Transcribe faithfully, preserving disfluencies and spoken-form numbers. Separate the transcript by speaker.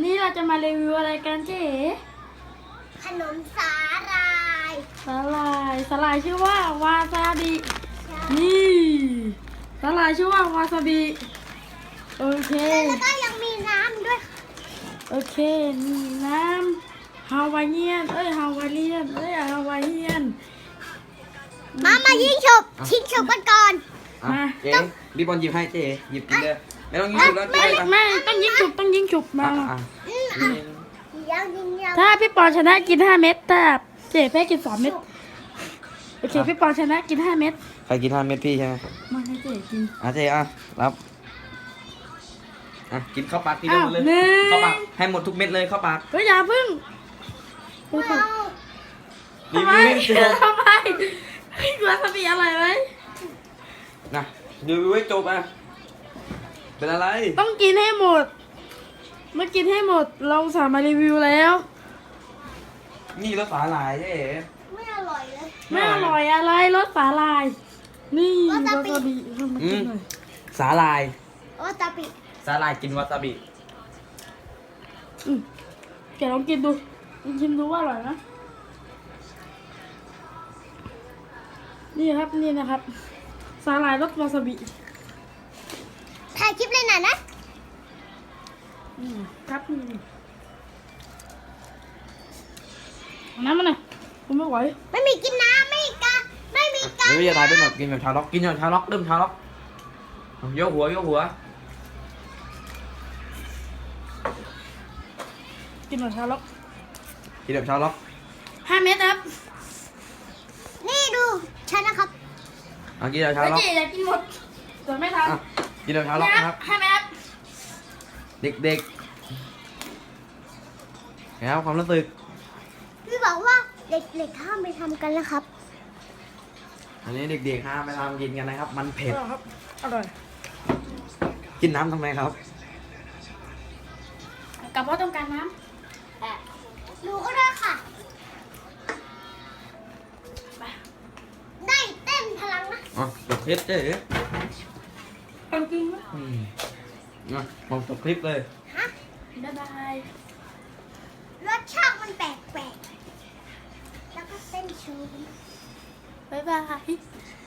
Speaker 1: นี้เราจะมารีวิวอะไรกันเจ๊
Speaker 2: ขนมสาหร่าย
Speaker 1: สาหร่ายสาหร่ายชื่อว่าวาซาบินี่สาหร่ายชื่อว่าวาซาบิโอเค
Speaker 2: แล้วก็ยังมีน้ำด้วย
Speaker 1: โอเคนี่น้ำฮาวายเนียนเอ้ยฮาวายเนียนเอ้ยฮาวายเนียน
Speaker 2: มามายิงฉบชิงฉบกันก่อน
Speaker 3: อ่ะเจ๊รีบบอลหยิบให้เจ๊หยิบกินเลยไม่ต้องยิงฉุบแล้วเจ๊
Speaker 1: ไม่
Speaker 3: ไป
Speaker 1: ต้องยิงฉุบต้องยิงฉุบมา
Speaker 3: อ่ะอ่ะ
Speaker 2: อืมอ่ะยังยิงยัง
Speaker 1: ถ้าพี่ปอนชนะกินห้าเม็ดถ้าเจ๊แพ้กินสามเม็ดโอเคพี่ปอนชนะกินห้าเม็ด
Speaker 3: ใครกินห้าเม็ดพี่ใช่ไหม
Speaker 1: มาให้เจ๊กิน
Speaker 3: อ่ะเจ๊อ่ะรับอ่ะกินเข้าปากทีเดียวหมดเลย
Speaker 1: อ้าวหนึ่ง
Speaker 3: เข้าปากให้หมดทุกเม็ดเลยเข้าปาก
Speaker 1: เฮ้ยอย่าพึ่ง
Speaker 2: ไม่เอา
Speaker 3: รี
Speaker 1: ทำไม
Speaker 3: วิวให้เจ๊
Speaker 1: ทำไมพี่วาซาบิอร่อยไหม
Speaker 3: นะรีวิวให้จบอ่ะเป็นอะไร
Speaker 1: ต้องกินให้หมดเมื่อกินให้หมดเราสามารถรีวิวแล้ว
Speaker 3: นี่รสสาหร่ายเจ๊
Speaker 2: ไม่อร่อยเลย
Speaker 1: ไม่อร่อยอะไรรสสาหร่าย นี่วาว
Speaker 2: า
Speaker 1: ซา
Speaker 2: ซาบิ
Speaker 1: บิเอามากินหน่อย
Speaker 3: สาหร่าย
Speaker 2: โอ้ตาปิ
Speaker 3: สาหร่ายกินวาซาบิ
Speaker 1: อืมแกลองกินดูลองชิมดูว่าอร่อยนะนี่ครับนี่นะครับสาหร่ายรสวาซาบิ
Speaker 2: ถ่ายคลิปเลยน่ะนะ
Speaker 1: อืมครับนี่เอาน้ำมาหน่อยผมไม่ไหว
Speaker 2: ไม่มีกินน้ำไม่มีกาไม่มีกา
Speaker 3: เดี๋ยวจะทายเป็นแบบกินแบบชาวล็อกกินแบบชาวล็อกเริ่มชาวล็อกโยกหัวโยกหัว
Speaker 1: กินหน่อยชาล็อก
Speaker 3: กินแบบชาวล็อก
Speaker 1: ห้าเม็ดครับ
Speaker 2: นี่ดูฉันนะครับ
Speaker 3: อ่ะกินแบบชาว
Speaker 1: แล้ว
Speaker 3: ล็อก
Speaker 1: เจ๊อยากกินหมดแต่ไม่ทัน
Speaker 3: อ่ะกินแบบชาวล็อกนะครับ
Speaker 1: ห้าเม็ดครับ
Speaker 3: เด็กๆนะครับความรู้สึก
Speaker 2: พี่บอกว่าเด็กๆห้ามไปทำกันนะครับ
Speaker 3: อันนี้เด็กๆห้ามไปทำกินกันนะครับ มันเผ็ด
Speaker 1: อร่อยครับอร่อย
Speaker 3: กินน้ำทำไมครับ
Speaker 1: กับว่าต้องการน้
Speaker 2: หนูก็ได้ค่ะ ได้เต้นพลังนะ
Speaker 3: อ๋อจบคลิปเจ๊
Speaker 1: ำกันกินไหม
Speaker 3: อืมอ่ะผมจบคลิปเลย
Speaker 2: ฮะ
Speaker 1: บ๊ายบาย
Speaker 2: รสชาติมันแปลกๆ แล้วก็เต้นโชว์
Speaker 1: บ๊ายบาย